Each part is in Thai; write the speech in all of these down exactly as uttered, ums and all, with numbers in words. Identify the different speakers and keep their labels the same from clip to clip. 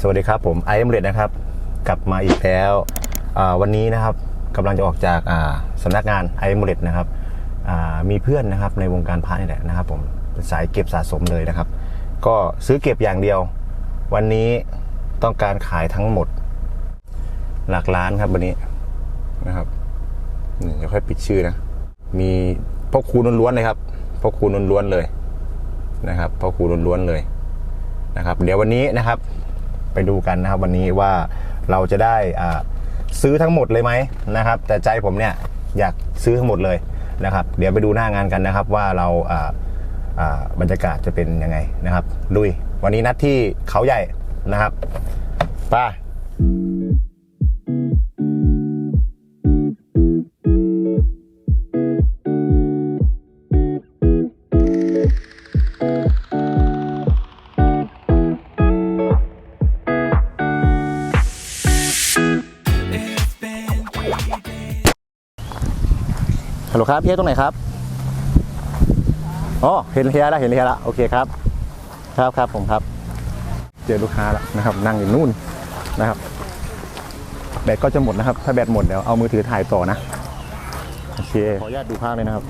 Speaker 1: วัสดีครับผมไอเอ็มเรดนะครับกลับมาอีกแล้ววันนี้นะครับกำลังจะออกจากสำนักงานไอเอ็มเรดนะครับมีเพื่อนนะครับในวงการพระนี่แหละนะครับผมเป็นสายเก็บสะสมเลยนะครับก็ซื้อเก็บอย่างเดียววันนี้ต้องการขายทั้งหมดหลักล้านครับวันนี้นะครับเดี๋ยวค่อยปิดชื่อนะมีพ่อครูล้วนๆเลยครับพ่อครูล้วนๆเลยนะครับพ่อครูล้วนๆเลยนะครับเดี๋ยววันนี้นะครับไปดูกันนะครับวันนี้ว่าเราจะได้ซื้อทั้งหมดเลยไหมนะครับแต่ใจผมเนี่ยอยากซื้อทั้งหมดเลยนะครับเดี๋ยวไปดูหน้างานกันนะครับว่าเราบรรยากาศจะเป็นยังไงนะครับลุยวันนี้นัดที่เขาใหญ่นะครับไปฮัลโหลครับเฮียตรงไหนครับอ๋อเห็นเฮียแล้วเห็นเฮียแล้วโอเคครับครับครับผมครับเจอลูกค้าแล้วนะครับนั่งอยู่นู่นนะครับแบตก็จะหมดนะครับถ้าแบตหมดเดี๋ยวเอามือถือถ่ายต่อนะโอเคขออนุญาตดูภาพเลยนะครับ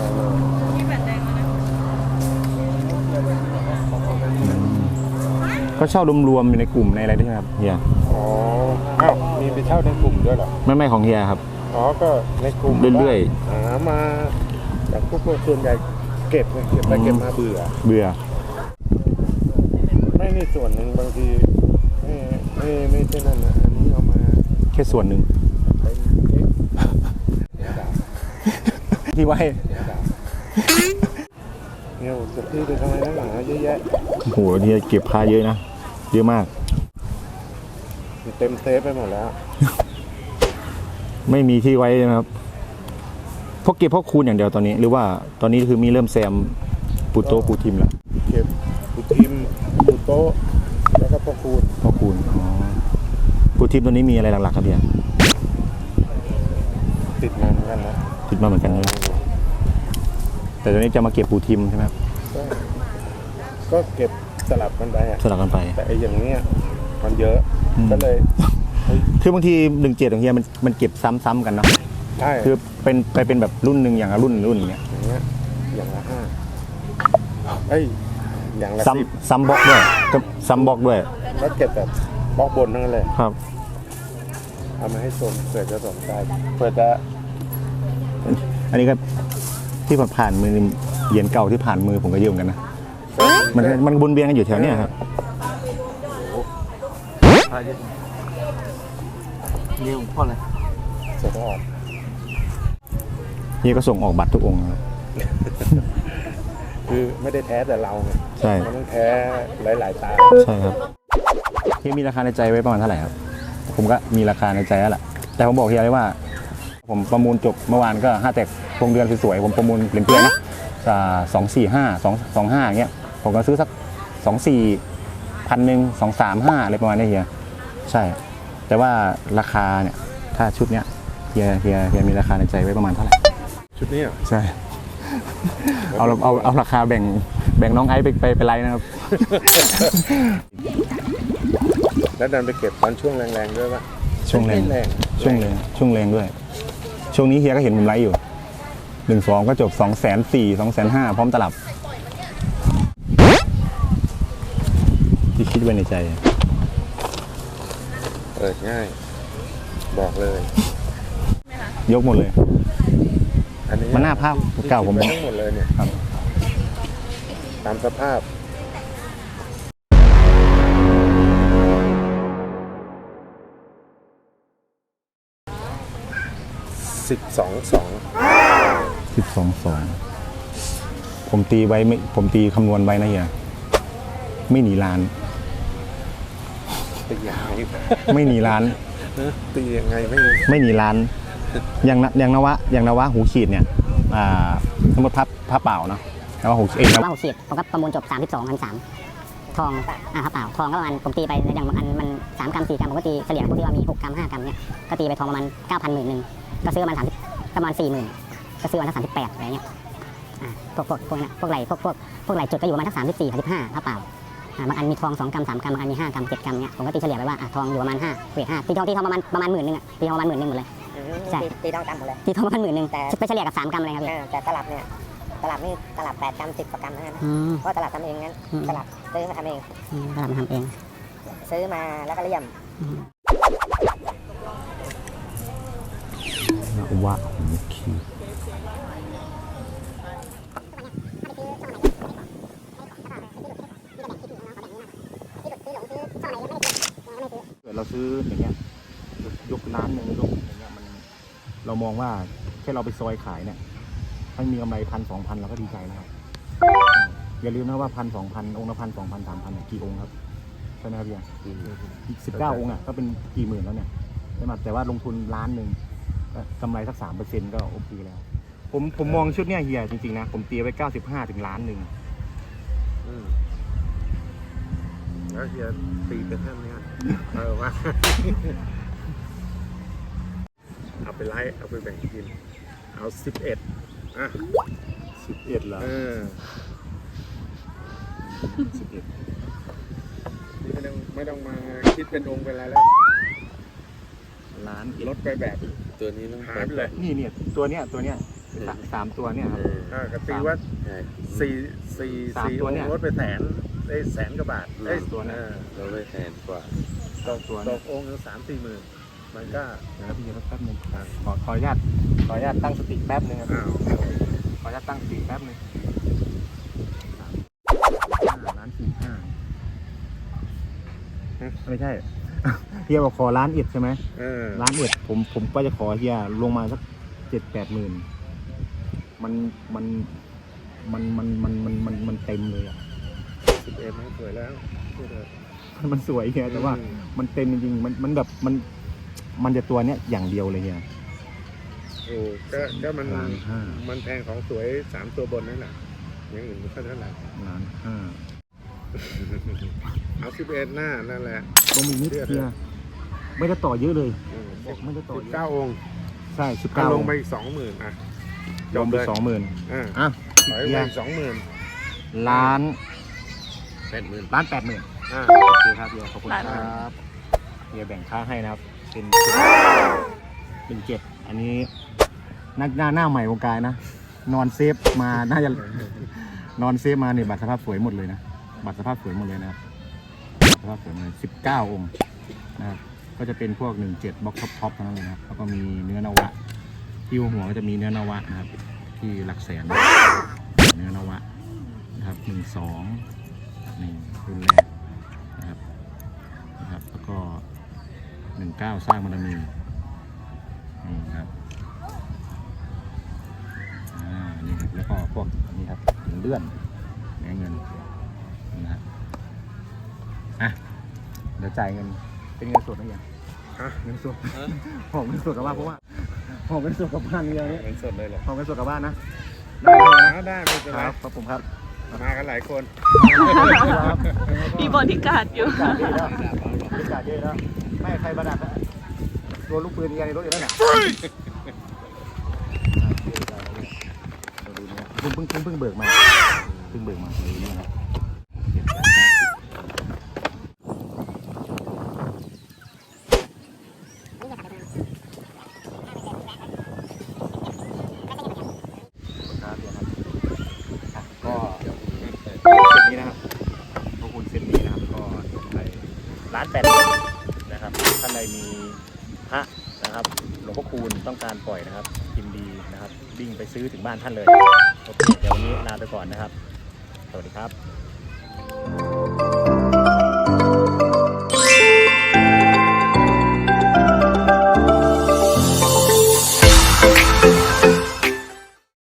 Speaker 1: ก็เช่ารวมๆอยู่ในกลุ่มในอะไรด้วยครับเฮีย
Speaker 2: อ๋ออ้าวมีไปเช่าในกลุ่มด้วยเหรอ
Speaker 1: ไม่ไม่ของเฮียครับ
Speaker 2: อ๋อก็ในกลุ่ม
Speaker 1: เรื่อย
Speaker 2: ๆหามาแต่พวกส่วนใหญ่เก็บเก็บไปเก็บมาเบื่อ
Speaker 1: เบื่อ
Speaker 2: ไม่นี่ส่วนหนึ่งบางทีไม่ไม่ไม่ใช่นั่นนะอันนี้เอามา
Speaker 1: แค่ส่วนหนึ่งที่ไว้
Speaker 2: เนี่ยจะซื้อไปทำไมนักหนาเยอะแยะ
Speaker 1: โอ้โหเฮียเก็บผ้าเยอะนะเยอะมาก
Speaker 2: เต็มเซฟไปหมดแล้ว
Speaker 1: ไม่มีที่ไว้นะครับพวกเก็บพวกคูณอย่างเดียวตอนนี้หรือว่าตอนนี้คือมีเริ่มแซมปูโต้ปูทิมแล้ว
Speaker 2: เก็บปูทิมปูโต้แล้วก็พวกคูณ
Speaker 1: พวกคูณอ๋อปูทิมตัวนี้มีอะไรหลักๆครับพี่
Speaker 2: ติดมาเหมือนกันนะ
Speaker 1: ติดมาเหมือนกันเลยแต่ตอนนี้จะมาเก็บปูทิมใช่ไหมครับ
Speaker 2: ก็เก็บสลับกันไป
Speaker 1: สลับกันไป
Speaker 2: แต่ไอ้อย่างเนี้ยมันเยอะก็เลย
Speaker 1: คือบางทีหนึ่งเจ็ดของเฮียมันมันเก็บซ้ำๆกันเนาะ
Speaker 2: ใช่
Speaker 1: คือเป็นไปเป็นแบบรุ่นหนึ่งอย่างละรุ่นรุ่นอย่างเงี้ย
Speaker 2: อย่างเงี้ยอย่างละห้าเอ้ยอย่างละสิบ
Speaker 1: ซ้ำบล็อกด้วยก็ซ้ำบล็อกด้วย
Speaker 2: แล้วเก็บแบบบล็อกบนนั่นเลย
Speaker 1: ครับ
Speaker 2: เอามาให้ชมเผื่อจะสนใจเผื่อจะ
Speaker 1: อันนี้ก็ที่ผ่านมือเหรียญเก่าที่ผ่านมือผมก็เยอะเหมือนกันนะมันมันบุญเบียงกันอยู่แถวเนี้ยครับ
Speaker 2: เยี่ยมพ่อเลยส่งออก
Speaker 1: เฮียก็ส่งออกบัตรทุกองค์ครับ
Speaker 2: คือไม่ได้แท้แต่เราไง
Speaker 1: ใช่
Speaker 2: มันต้องแท้หลายๆตา
Speaker 1: ใช่ครับเฮียมีราคาในใจไว้ประมาณเท่าไหร่ครับผมก็มีราคาในใจแล้วแหละแต่ผมบอกเฮียเลยว่าผมประมูลจบเมื่อวานก็ห้าแตกพวงเดือนสวยๆผมประมูลเปลี่ยนเปลี่ยนนะสองสี่ห้าสองสองห้าอย่างเงี้ยผมก็ซื้อสักสองสี่พันหนึ่งสองสามห้าอะไรประมาณนี้เฮียใช่แต่ว่าราคาเนี่ยถ้าชุดเนี้ยเฮียเฮียเฮียมีราคาในใจไว้ประมาณเท่าไหร่
Speaker 2: ชุดนี้
Speaker 1: ใช่เอาเอาเอาราคาแบ่งแบ่งน้องไอซ์ไปไปไปไล่นะครับ
Speaker 2: แล้วดันไปเก็บตอนช่วงแรงๆด้วยป่ะ
Speaker 1: ช่วงแรงช่วงแรงช่วงแรงด้วยช่วงนี้เฮียก็เห็นผมไลฟ์อยู่หนึ่งสองก็จบสองแสนสี่สองแสนห้าพร้อมตลับที่คิดไว้ในใจ
Speaker 2: เปิดง่ายบอกเลย
Speaker 1: ยกหมดเลย
Speaker 2: อันนี้
Speaker 1: มันหน้าภาพเก่าผม
Speaker 2: ทั้งหมดเลยเนี่ยครับตามสภาพสิบสองสอง
Speaker 1: สิบสองสองผมตีไว้ไม่ผมตีคำนวณไว้นะเฮียไม่หนีล้าน
Speaker 2: ตียังไง
Speaker 1: ไม่หนีล้าน
Speaker 2: ตียังไงไม่
Speaker 1: ไม่หนีล้านอย่างอย่างนวะอย่างนวะหูขีดเนี่ยอ่าสมมติพับผ้าเปล่าเนาะนวะหูเองนวะ
Speaker 3: หูขีดผมก็ประมูลจบสามสิบสองพันสามทองอ่าผ้าเปล่าทองก็ประมาณผมตีไปอย่างอันมันสามกรัมสี่กรัมผมก็ตีเฉลี่ยพวกที่ว่ามีหกกรัมห้ากรัมเนี่ยก็ตีไปทองประมาณเก้าพันหมื่นหนึ่งก็ซื้อประมาณสามประมาณสี่หมื่นก็ซื้อวันละสามสิบแปดอะไรเงี้ยอ่าพวกพวกพวกนั้นพวกไหลพวกพวกพวกไหลจุดก็อยู่ประมาณทั้งสามสิบสี่สามสิบห้าผ้าเปล่าอ่าบางอันมีทองสองกรัมสามกรัมบางอันมีห้ากรัมเจ็ดกรัมเนี่ยผมก็ตีเฉลี่ยไปว่าอ่ะทองอยู่ประมาณห้าเวทห้าตีทองตีทองประมาณประมาณหมื่นหนึ่งอ่ะตีทองประมาณหมื่นหนึ่งหมดเลย ใช่
Speaker 4: ตีตีต้องตามหมดเลย
Speaker 3: ตีทองประมาณหมื่นหนึ่งแต่ไปเฉลี่ยกับสามกรัมเลยครับพี่
Speaker 4: อ่าแต่ตลับเนี่ยตลับนี่ตลับแปดกรัมสิบกว่ากรัมเท่านั้นนะ
Speaker 3: อืม
Speaker 4: เพราะตลับทำเองงั้น
Speaker 3: อืม
Speaker 4: ตลับซื้อมาทำเอง
Speaker 3: อืมตลาดมันทำเอง
Speaker 4: ซื้อมาแล้วก็เลี่ยม
Speaker 3: อืม
Speaker 1: นวะของคี เราซื้ออย่างเงี้ยยกยกร้านหนึ่งยกอย่างเงี้ยมันเรามองว่าแค่เราไปซอยขายเนี่ยถ้ามีกำไรพันสองพันเราก็ดีใจแล้วครับอย่าลืมนะว่าพันสองพันองค์ละพันสองพันสามพันกี่องค์ครับใช่ไหมครับพี่อีกสิบเก้าองค์อ่ะก็เป็นกี่หมื่นแล้วเนี่ยใช่ไหมแต่ว่าลงทุนล้านหนึ่งกำไรสักสามเปอร์เซ็นต์ก็โอเคแล้วผมผมมองชุดเนี้ยเฮียจริงๆนะผมตีไว้เก้าสิบห้าถึงล้านหนึ่ง
Speaker 2: อืมแล้วเฮียตีเป็นเท่านี้เออว่า เอาไปไล่เอาไปแบ่งกิน เอาสิบเอ็ดอ่ะ
Speaker 1: สิบเอ็ดแล้ว
Speaker 2: เออ
Speaker 1: สิบเอ็ด
Speaker 2: นี่ไม่ต้องไม่ต้องมาคิดเป็นองค์เป็นอะไรแล้ว
Speaker 1: ล้าน
Speaker 2: ลดไปแบบ
Speaker 5: ตัวนี้ต้อง
Speaker 2: หายไปเลย
Speaker 1: นี่เนี่ยตัวเนี้ยตัวเนี้ยสาสามตัวเนี่ยครับ
Speaker 2: อ่ากตีว่า
Speaker 5: ใช่
Speaker 2: สี่สี่
Speaker 1: สาม
Speaker 2: สี่
Speaker 1: ตัว
Speaker 2: อง
Speaker 1: เนี่ย
Speaker 2: ค์ลดไปแสนได้แสนกว่าบาทได้
Speaker 1: ตัวเนี่ย
Speaker 2: เออ
Speaker 5: เราได้แสนกว่า
Speaker 2: ตก
Speaker 1: ตัว
Speaker 2: ต
Speaker 1: เนี่ย
Speaker 2: กองค์ละสามสี่หมื่นมันก็
Speaker 1: นะครับพี่แป๊บนึงขอขออนุญาตขออนุญาตตั้งสติแป๊บนึงครับ
Speaker 2: อ้าว
Speaker 1: ขออนุญาตตั้งสติแป๊บนึงห้าล้านสี่ห้าไม่ใช่ เฮียบอกขอล้านเอ็ดใช่ไหม
Speaker 2: เออ
Speaker 1: ล้านเอ็ดผมผมก็จะขอเฮียลงมาสักเจ็ดแปดหมื่นมันมันมันมันมันมันมันมันเต็มเลยอ่ะ
Speaker 2: สิบเอ็ดมันสวยแล้วพูดเถอะ
Speaker 1: มันสวยเฮียแต่ว่า
Speaker 2: อืม
Speaker 1: มันเต็มจริงๆมันมันแบบมันมันจะตัวเนี้ยอย่างเดียวเลยเฮีย
Speaker 2: โอ้ก็ก็มัน
Speaker 1: ล้านห้า
Speaker 2: มันแพงของสวยสามตัวบนนั่นแหละอย่างอื่นไม่ค่อยเท่าไหร่
Speaker 1: ล้านห้า
Speaker 2: เอาสิบเอ็ดหน้านั่นแหละ
Speaker 1: ลงอีกนิดเฮียไม่ได้ต่อเยอะเลย
Speaker 2: อืม
Speaker 1: บอกไม่ได้ต่อ
Speaker 2: สิบ
Speaker 1: เย
Speaker 2: เก้า
Speaker 1: อะ
Speaker 2: องค์
Speaker 1: ใช่สิบ
Speaker 2: ก็
Speaker 1: เก้า
Speaker 2: ลงไปอีกสองหมื่นอ่ะ
Speaker 1: ลงไปสองหมื่น
Speaker 2: อ่า
Speaker 1: อ่ะ
Speaker 2: ถอย
Speaker 1: เฮี
Speaker 2: ไป
Speaker 1: ย
Speaker 2: อีกสองหมื่น
Speaker 1: ล้าน
Speaker 5: แปดหมื่น
Speaker 1: ล้านแปดหมื่น
Speaker 2: อ่า
Speaker 1: โอเคครับเฮียขอบคุณครับเฮียแบ่งค่าให้นะครับ เป็นเป็นเจ็ดอันนี้นักหน้าหน้าใหม่วงการนะ นอนเซฟมาน่าจะนอนเซฟมาเนี่ยบัตรสภาพสวยหมดเลยนะบัตรสภาพสวยหมดเลยนะครับบัตรสภาพสวยหมดเลยสิบเก้าองค์นะครับก็จะเป็นพวกหนึ่งเจ็ดบล็อกท็อปท็อปทั้งนั้นเลยนะครับแล้วก็มีเนื้อนวะที่หัวก็จะมีเนื้อนวะนะครับ ที่หลักแสนเนื้อนวะนะครับหนึ่งสองนี่รุ่นแรกนะครับนะครับ แล้วก็หนึ่งเก้าสร้างบารมีนี่ครับอ่านี่ครับแล้วก็พวกอันนี้ครับถึงเลื่อนแหนเงินนะครับอ่ะเดี๋ยวจ่ายเงินเป็นเงินสดนะยัง
Speaker 2: ฮะ
Speaker 1: เงินสดหอบเงินสดกลับบ้านเพราะว่าหอบเงินสดกลับบ้านเดียวนี้
Speaker 2: เงินสดเลยเหรอ
Speaker 1: หอบเงินสดกลับบ้านนะได้เลยนะ
Speaker 2: อ่าได้ไม่เป็น
Speaker 1: ค
Speaker 2: ไร
Speaker 1: รับขอบผมครับ
Speaker 2: มากันหลายคน
Speaker 6: มีบริการอยู่
Speaker 1: บริการเยอะแล้วบริการเยอะแล้วไม่ให้ใครประดับโดนลูกปืนยิงในรถอยู่แล้วเนี่ยเพิ่งเพิ่งเพิ่งเพิ่งเบิกมาเพิ่งเบิกมาเลยนี่ครับครับเดี๋ยวครับอ่ะก็เซตนี้นะครับพวกคุณเซตนี้นะครับก็ไปร้านแปดนะครับท่านใดมีพระนะครับหลวงพ่อคูณต้องการปล่อยนะครับยินดีนะครับวิ่งไปซื้อถึงบ้านท่านเลยโอเคเดี๋ยววันนี้ลาไปก่อนนะครับสวัสดีครับ